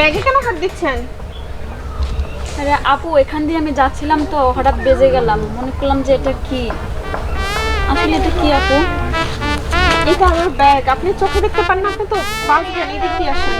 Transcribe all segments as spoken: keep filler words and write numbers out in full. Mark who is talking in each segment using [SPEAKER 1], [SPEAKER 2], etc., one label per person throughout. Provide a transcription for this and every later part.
[SPEAKER 1] ব্যাগে কেন হাত দিচ্ছেন?
[SPEAKER 2] আরে আপু, এখান দিয়ে আমি যাচ্ছিলাম তো হঠাৎ বেজে গেলাম, মনে করলাম যে এটা কি। আসলে এটা কি আপু?
[SPEAKER 1] এটা আমার ব্যাগ। আপনি চোখে দেখতে পান না, আপনি তো বাঁচবেন। এদিক দিয়ে আসেন।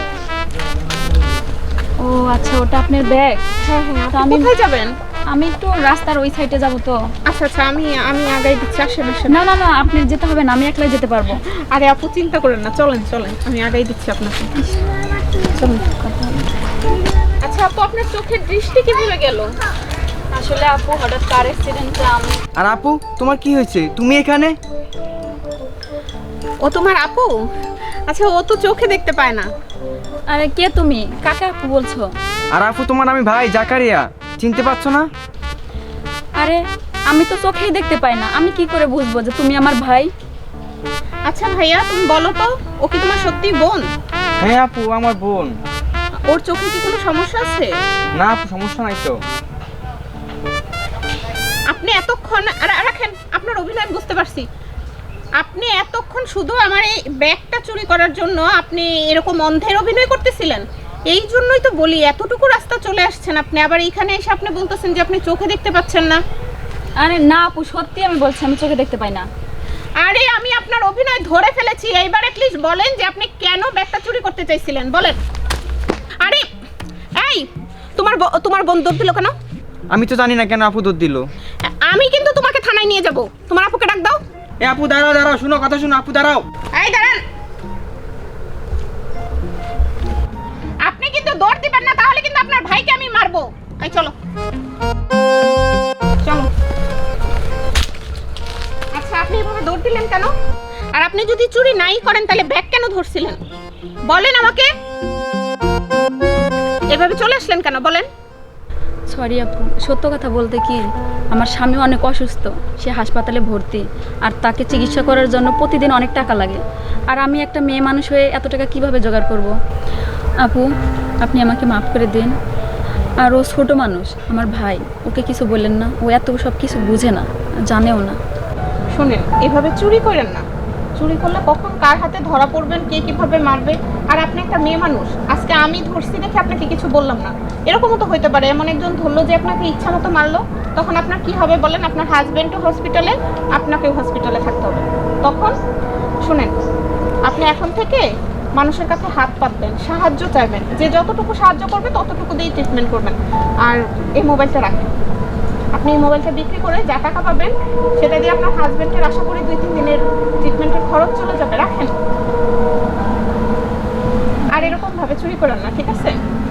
[SPEAKER 2] ও আচ্ছা, ওটা আপনার ব্যাগ।
[SPEAKER 1] হ্যাঁ হ্যাঁ।
[SPEAKER 2] তো
[SPEAKER 1] আপনি
[SPEAKER 2] আমি
[SPEAKER 1] কোথায় যাবেন?
[SPEAKER 2] আমি একটু রাস্তার ওই সাইডে যাব তো।
[SPEAKER 1] আচ্ছা আচ্ছা, আমি আমি আগাই দিচ্ছি। আসেন আসেন।
[SPEAKER 2] না না না, আপনি যেতে হবে না, আমি একলাই যেতে পারবো।
[SPEAKER 1] আরে আপু, চিন্তা করেন না, চলেন চলেন, আমি আগাই দিচ্ছি আপনাকে। চলুন। আচ্ছা আপু, আপনার চোখের দৃষ্টি কিভাবে গেল?
[SPEAKER 2] আসলে আপু, হঠাৎ কার অ্যাক্সিডেন্টে আমি।
[SPEAKER 3] আর আপু, তোমার কি হয়েছে? তুমি এখানে?
[SPEAKER 1] ও তোমার আপু? আচ্ছা, ও তো চোখে দেখতে পায় না।
[SPEAKER 2] আরে কে তুমি? কাকে আপু বলছো?
[SPEAKER 3] আর আপু, তোমার আমি ভাই জাকারিয়া, চিনতে পারছো না?
[SPEAKER 2] আরে আমি তো চোখেই দেখতে পাই না, আমি কি করে বুঝবো যে তুমি আমার ভাই?
[SPEAKER 1] আচ্ছা ভাইয়া, তুমি বলো তো, ও কি তোমার সত্যি বোন?
[SPEAKER 3] হ্যাঁ আপু, আমার বোন।
[SPEAKER 1] ওর চোখে কি কোনো সমস্যা আছে?
[SPEAKER 3] না আপু, সমস্যা নাই তো।
[SPEAKER 1] আপনি এতক্ষণ আর রাখেন, আপনার অভিনয় বুঝতে পারছি। আপনি এতক্ষণ শুধু আমার এই ব্যাগটা চুরি করার জন্য আপনি এরকম অন্ধের অভিনয় করতেছিলেন। এই জন্যই তো বলি, এতটুকু রাস্তা চলে আসছেন আপনি, আবার এইখানে এসে আপনি বলতেছেন যে আপনি চোখে দেখতে পাচ্ছেন না।
[SPEAKER 2] আরে না আপু, সত্যি আমি বলছি, আমি চোখে দেখতে পাই না।
[SPEAKER 1] আরে আমি আপনার অভিনয় ধরে ফেলেছি। এইবার অ্যাটলিস্ট বলেন যে আপনি কেন ব্যাগটা চুরি করতে চাইছিলেন, বলেন। আরে এই, তোমার ব- তোমার বোন দৌড় দিল কেন?
[SPEAKER 3] আমি তো জানি না কেন আপু দৌড় দিল।
[SPEAKER 1] আমি কিন্তু তোমাকে থানায় নিয়ে যাব। তোমার আপুকে ডাক দাও।
[SPEAKER 3] এ আপু, দাঁড়াও দাঁড়াও, শুনো কথা শুনো আপু, দাঁড়াও।
[SPEAKER 1] এই দাঁড়ান, আপনি কিন্তু দৌড় দিবেন না, তাহলে কিন্তু আপনার ভাইকে আমি মারবো। এই চলো চলো। আচ্ছা, আপনি এভাবে দৌড় দিলেন কেন? আর আপনি যদি চুরি নাই করেন তাহলে ব্যাগ কেন ধরছিলেন বলেন আমাকে? এভাবে চলে আসলেন কেন বলেন?
[SPEAKER 2] সরি আপু, সত্য কথা বলতে কি, আমার স্বামী অনেক অসুস্থ, সে হাসপাতালে ভর্তি, আর তাকে চিকিৎসা করার জন্য প্রতিদিন অনেক টাকা লাগে। আর আমি একটা মেয়ে মানুষ হয়ে এত টাকা কিভাবে জোগাড় করব? আপু, আপনি আমাকে মাফ করে দিন। আর ও ছোটো মানুষ, আমার ভাই, ওকে কিছু বললেন না, ও এত সব কিছু বুঝে না, জানেও না।
[SPEAKER 1] শুনেন, এভাবে চুরি করেন না। চুরি করলে কখন কার হাতে ধরা পড়বেন, কে কিভাবে মারবে। আর আপনি একটা মেয়ে মানুষ, আজকে আমি ধরছি দেখে আপনাকে কিছু বললাম না, এরকমও তো হতে পারে এমন একজন ধরলো যে আপনাকে ইচ্ছা মতো মারলো, তখন আপনার কি হবে বলেন? আপনার হাজবেন্ডও হসপিটালে, আপনাকেও হসপিটালে থাকতে হবে তখন। শুনেন, আপনি এখন থেকে মানুষের কাছে হাত পাতবেন, সাহায্য চাইবেন, যে যতটুকু সাহায্য করবে ততটুকু দিয়ে ট্রিটমেন্ট করবেন। আর এই মোবাইলটা রাখেন। আপনি এই মোবাইলটা বিক্রি করে যা টাকা পাবেন সেটা দিয়ে আপনার হাজবেন্ডের আশা করি দুই তিন দিনের ট্রিটমেন্টের খরচ চলে যাবে। রাখেন। আর এরকম ভাবে চুরি করেন না, ঠিক আছে?